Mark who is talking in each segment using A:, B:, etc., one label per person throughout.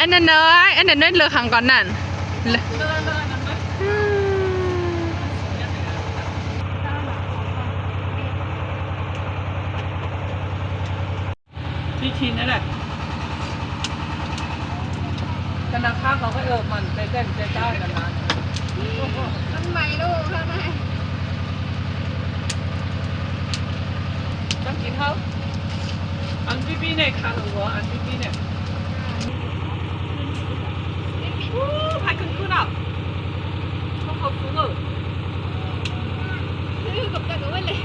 A: anh nên nói anh nên nói lừa hàng còn nè
B: พี่ชินนั่นแหละธนาคารเขาก็มันไปเต้นใจเจ้ากันนะมันใหม่ลูกข้างในต้องกินเขาอันพี่เนี่ยขาหรือวะอันพี่เนี่ยพายขึ้นอ่ะเขาฟุ้งอ่ะกับแต่ก็ไม่เลย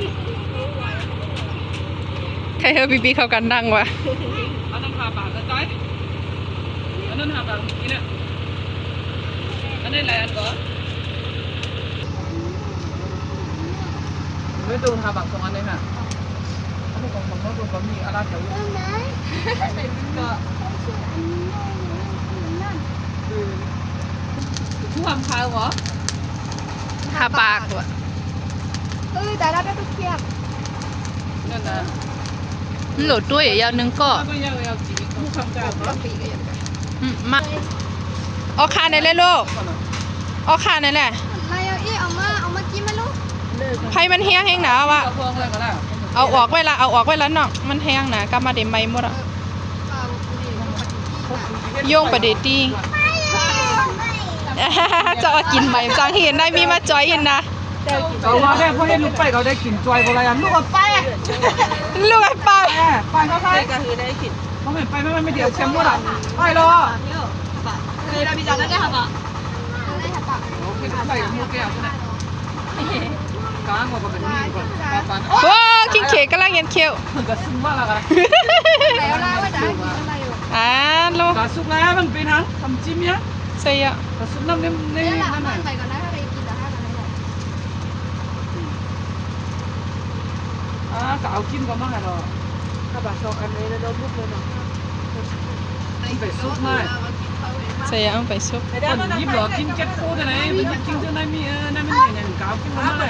A: ใครเฮอบีบีเขากันดังวะ
B: อันนั้นหาปากกันจ้อยอันนั้นหาปากกินอ่ะอันนี้อะไรอันก่อนไม่ดูหาปากสองอันเลยค่ะอันนี้ของเขาตัวมีอะไรเกี่ยวก็ผู้ทำพายเหรอ
A: หาปากวะ
C: แต่เราได้ทุกเทียบ
B: นั่นนะ
A: โหลดด้วยยาวนึงก็
B: ก็ยาวจีผู้ทำการเหรอ
A: มาเอาคาในเลยลูกเอาคาในแหละ
C: มาเอามากินมาลูก
A: ไพ่มันแห้งหนาวะเอาออกไว้ละเอาออกไว้แล้วเนาะมันแห้งหนากลับมาเดี๋ยวไม่หมดอ่ะโยงประเดี๋ยวตีจะเอากินใหม่จังเห็นได้มีมาจอยอินนะ
B: เอาว่าได้เพราะให้ลูกไปเขาได้กินจอยอะไรอ่ะลูกไป
A: ลูกไอ้ป้า
B: ไปเขาไปก็คือได้กินเขาไม่ไปไม่เดี๋ยวแชมป์หมดอ่ะไปรอคือเราพิจารณาได้ค่ะป่ะโอเคไปกับลูกแก้วใช่ไหมกลางกว่าเป็นนี่ก่อนปัน
A: โอ้กินเค้กกำลังยันเคี้ยว
B: ก็ซุ่มว่าละกัน
C: แล้วล่ะว่าจะกินอะไรอยู่
A: ลูก
B: ก็ซุ่มแล้วมันเป็นทั้งทำจิ้มเนี่ย
A: เสีย
B: ก็ซุ่มน้ำเนี่ยนี่
C: แล้วล่ะ
B: นั่น
C: เอา
B: น่ะ
C: ไปก่อนนะถ้าได้กินแต่ถ้ากันไม่ได้
B: ก็เอาจิ้มก็มาให้เราถ้าแบบชอบอันนี้แล้วลูกเลยเนาะไปซุปมา
A: เสียเอาไปซุป
B: คนยิบหรอกินเจ็ดโคตรไหนมันกินจนได้มีนั่นมันอย่างกาวกินมา